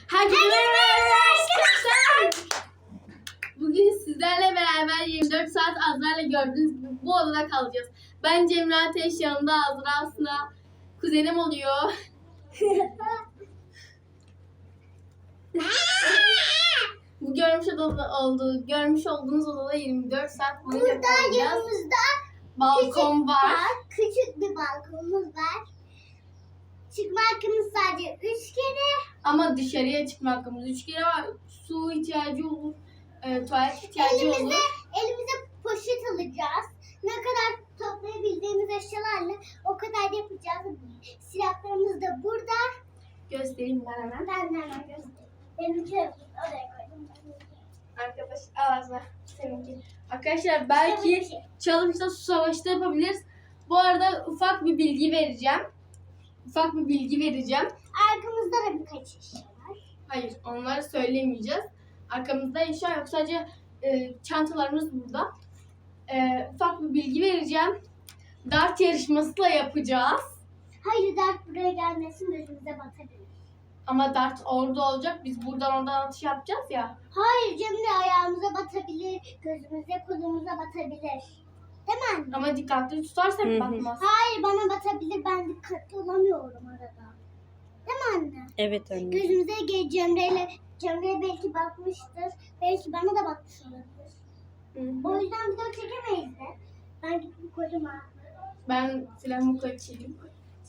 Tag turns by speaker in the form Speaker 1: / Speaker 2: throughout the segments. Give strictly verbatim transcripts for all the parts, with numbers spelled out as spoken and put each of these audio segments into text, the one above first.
Speaker 1: Herkese merhaba arkadaşlar. Bugün sizlerle beraber yirmi dört saat Azra'yla gördüğünüz gibi bu odada kalacağız. Ben Cemre Ateş, yanında Azra aslında kuzenim oluyor. Bu görmüş odada olduğu, görmüş olduğunuz odada yirmi dört saat boyunca
Speaker 2: Burada
Speaker 1: kalacağız.
Speaker 2: yanımızda
Speaker 1: Balkon
Speaker 2: küçük
Speaker 1: var.
Speaker 2: var. Küçük bir balkonumuz var. Çıkma hakkımız sadece üç kere.
Speaker 1: Ama dışarıya çıkma hakkımız üç kere var. Su ihtiyacı olur, e, tuvalet ihtiyacı
Speaker 2: Elimize,
Speaker 1: olur.
Speaker 2: elimize poşet alacağız. Ne kadar toplayabildiğimiz eşyalarla o kadar yapacağız. Silahlarımız da burada.
Speaker 1: Göstereyim ben hemen.
Speaker 2: Ben de hemen göstereyim. Benimki oraya koydum.
Speaker 1: Arkadaş ağzına seninki. Arkadaşlar belki challenge'da su savaşı da yapabiliriz. Bu arada ufak bir bilgi vereceğim. Ufak bir bilgi vereceğim.
Speaker 2: Arkamızda da birkaç eşya var.
Speaker 1: Hayır, onları söylemeyeceğiz. Arkamızda eşya yok. Sadece e, çantalarımız burada. E, ufak bir bilgi vereceğim. Dart yarışması da yapacağız.
Speaker 2: Hayır, dert buraya gelmesin, gözümüze batabilir.
Speaker 1: Ama dart orada olacak. Biz buradan oradan atış yapacağız ya.
Speaker 2: Hayır, Cemre ayağımıza batabilir, gözümüze, kolumuza batabilir. Değil mi anne?
Speaker 1: Ama dikkatli tutarsak
Speaker 3: Hı hı.
Speaker 1: batmaz.
Speaker 2: Hayır, bana batabilir, ben dikkatli olamıyorum arada. Değil mi anne?
Speaker 3: Evet anne.
Speaker 2: Gözümüze ge- Cemre'yle, Cemre'ye belki batmıştır, belki bana da batmış olabilir.
Speaker 1: Hı hı.
Speaker 2: O yüzden video çekemeyiz de. Ben gidip koydum ha.
Speaker 1: Ben silahımı kaçırayım.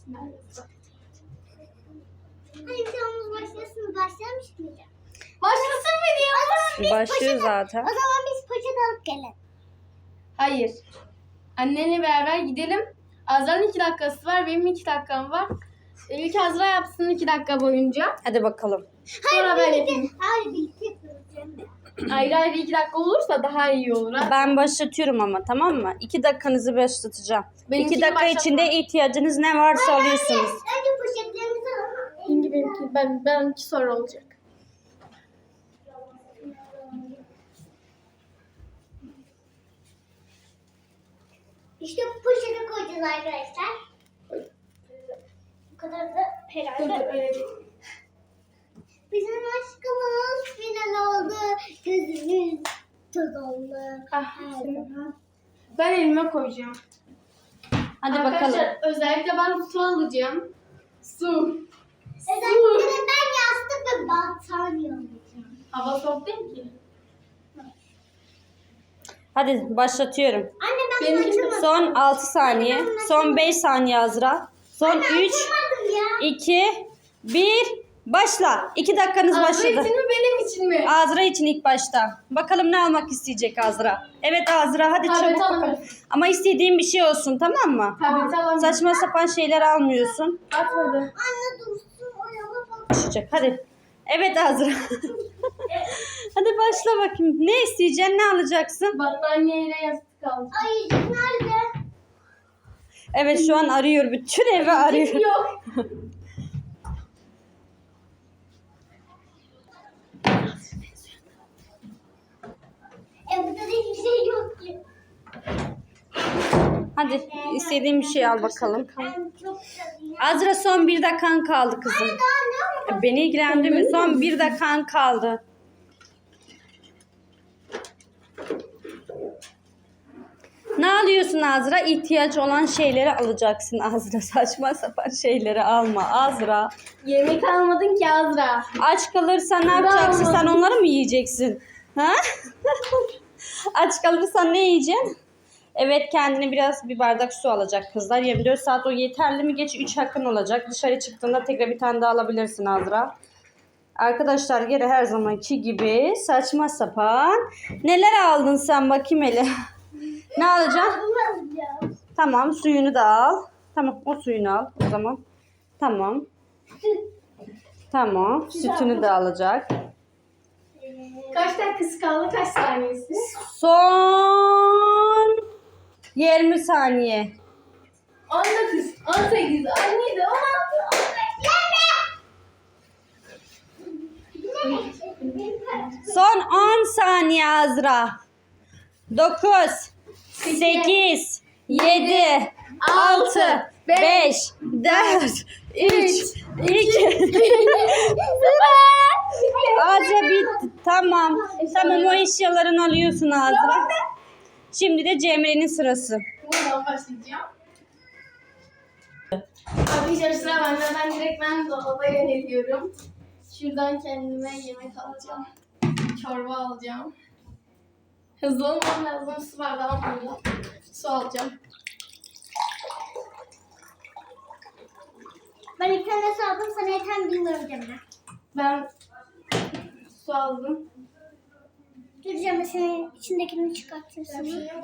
Speaker 2: Hadi videomuz başlasın, başlamış mıydı?
Speaker 1: Başlasın mı diyor?
Speaker 3: Başlıyor zaten.
Speaker 2: O zaman biz poşet alıp gelin.
Speaker 1: Hayır. Annenle beraber gidelim. Azra'nın iki dakikası var. Benim iki dakikam var. E, İlk Azra yapsın iki dakika boyunca.
Speaker 3: Hadi bakalım.
Speaker 1: Sonra ben
Speaker 2: birlikte,
Speaker 1: yapayım.
Speaker 2: hayır birlikte yapıyoruz Cemre.
Speaker 1: Ayrı ayrı iki dakika olursa daha iyi olur. Ha?
Speaker 3: Ben başlatıyorum ama, tamam mı? İki dakikanızı başlatacağım.
Speaker 1: Benimkini
Speaker 3: İki dakika
Speaker 1: başlatma.
Speaker 3: içinde ihtiyacınız ne varsa alıyorsunuz.
Speaker 2: Önce poşetlerimizi alalım.
Speaker 1: Benimki, benimki, ben, benimki sonra olacak.
Speaker 2: İşte bu poşete koyacağız arkadaşlar. Bu kadar da
Speaker 1: Dur dur
Speaker 2: herhalde.
Speaker 1: öyle değil.
Speaker 2: Bizim aşkımız final oldu. Gözümüz toz oldu.
Speaker 1: Ah,
Speaker 2: Her
Speaker 1: senin-
Speaker 2: zaman.
Speaker 1: Ben elime koyacağım.
Speaker 3: Hadi
Speaker 1: Arkadaşlar
Speaker 3: bakalım.
Speaker 1: özellikle ben su alacağım. Su.
Speaker 2: Özellikle de ben yastık ve battaniye alacağım.
Speaker 1: Hava soğuk değil ki.
Speaker 3: Hadi başlatıyorum.
Speaker 2: Anne ben
Speaker 1: Benimki de-
Speaker 2: açamadım.
Speaker 3: Son altı saniye. Son beş saniye Azra. Son üç,
Speaker 2: Açamadım ya.
Speaker 3: iki, bir. Başla. iki dakikanız
Speaker 1: Azra
Speaker 3: başladı.
Speaker 1: için mi benim için mi?
Speaker 3: Azra için ilk başta. Bakalım ne almak isteyecek Azra. Evet Azra, hadi
Speaker 1: Tablet
Speaker 3: çabuk
Speaker 1: alamıyorum.
Speaker 3: bakalım. Ama istediğin bir şey olsun, tamam mı?
Speaker 1: Tableti alamıyorum.
Speaker 3: Saçma sapan şeyler almıyorsun.
Speaker 1: Atmadı.
Speaker 2: Anne dursun o yana bak.
Speaker 3: Düşecek. Hadi. Evet Azra. Hadi başla bakayım. Ne isteyeceksin? Ne alacaksın?
Speaker 1: Battaniyeyle yastık aldım.
Speaker 2: Ayıcık nerede?
Speaker 3: Evet şu an arıyor. Bütün evi arıyor.
Speaker 1: Yok.
Speaker 2: E burada da hiçbir şey yok ki.
Speaker 3: Hadi istediğin bir şey al bakalım.
Speaker 2: Ben çok güzelim ya.
Speaker 3: Azra son bir dakikan kaldı kızım.
Speaker 2: Daha ne var?
Speaker 3: Beni ilgilendirmiyor. Son bir dakikan kaldı. Ne alıyorsun Azra? İhtiyaç olan şeyleri alacaksın Azra. Saçma sapan şeyleri alma Azra.
Speaker 1: Yemek almadın ki Azra.
Speaker 3: Aç kalırsan ne yapacaksın? Sen onları mı yiyeceksin? Ha? Aç kalırsan ne yiyeceksin? Evet, kendine biraz bir bardak su alacak kızlar. yirmi dört saat o yeterli mi? Geç üç hakkın olacak. Dışarı çıktığında tekrar bir tane daha alabilirsin Azra. Arkadaşlar geri her zamanki gibi saçma sapan. Neler aldın sen bakayım hele. Ne alacaksın?
Speaker 2: Bunu alacağım.
Speaker 3: Tamam, suyunu da al. Tamam, o suyunu al o zaman. Tamam. Tamam, sütünü de alacak.
Speaker 1: Kaç dakikası kaldı? Kaç saniyesi?
Speaker 3: Son yirmi saniye.
Speaker 1: on dokuz, on sekiz, on yedi, on altı, on beş.
Speaker 2: Yeme!
Speaker 3: Son on saniye Azra. dokuz, sekiz, yedi, altı, beş, dört, üç, iki, Tamam. Tamam o eşyalarını alıyorsun Azra. Şimdi de Cemre'nin sırası.
Speaker 1: Buradan başlayacağım. Arkadaşlar sıra bende. Ben direkt ben dolaba yöneliyorum. Şuradan kendime yemek alacağım. Çorba alacağım. Hızlı olmam lazım. Su bardağı burada. Su alacağım.
Speaker 2: Ben ilk tane su aldım. Sana yeter mi bilmiyorum Cemre.
Speaker 1: Ben su aldım.
Speaker 2: Dur Cemre senin içindekini çıkartırsın.
Speaker 1: Bir şey yok.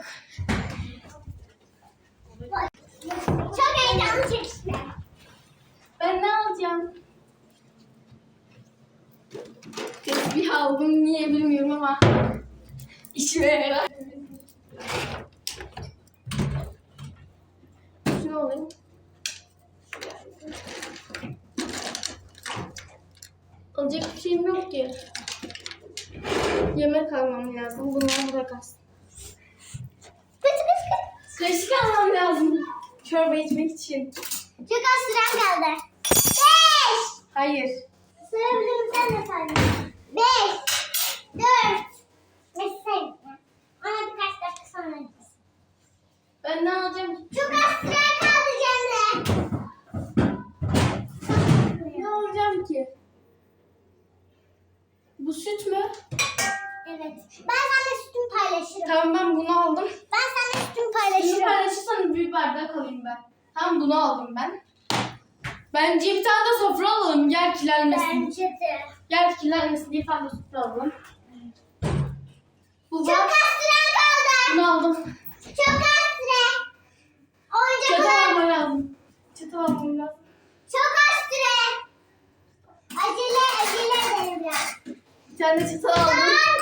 Speaker 2: Çok heyecanlı çekişme.
Speaker 1: Ben ne alacağım? Tesbih aldım. Niye bilmiyorum ama işime yarar. Şunu alayım. Alacak bir şeyim yok ki. Yemek almam lazım. Bunları bırak az. Kaşık almam lazım. Çorba içmek için.
Speaker 2: Çok az süren kaldı. Beş.
Speaker 1: Hayır.
Speaker 2: Sayabilirim sen de say. Beş. Dört. Beş sayın. Ona birkaç dakika sonra gideceğiz.
Speaker 1: Ben ne alacağım?
Speaker 2: Çok az süren kaldı Cemre.
Speaker 1: Ne alacağım ki? Bu süt mü?
Speaker 2: Evet. Ben seninle sütümü paylaşırım.
Speaker 1: Tamam ben bunu aldım.
Speaker 2: Ben seninle sütümü
Speaker 1: Şunu
Speaker 2: paylaşırım.
Speaker 1: paylaşırsanız büyük bardak alayım ben. Tamam bunu aldım ben. Bence bir tane de sofra alalım. Gel kirlenmesin.
Speaker 2: Bence de.
Speaker 1: Gel kirlenmesin diye bir tane de sofra alalım. Bu
Speaker 2: Çok
Speaker 1: var.
Speaker 2: az süren kaldı.
Speaker 1: Bunu aldım.
Speaker 2: Çok az süre. Oyuncak
Speaker 1: Çatal
Speaker 2: al.
Speaker 1: almam lazım. Çatal almam lazım.
Speaker 2: Çok az süre. Acele acele edelim biraz.
Speaker 1: Bir tane de çatal aldım.
Speaker 2: Tamam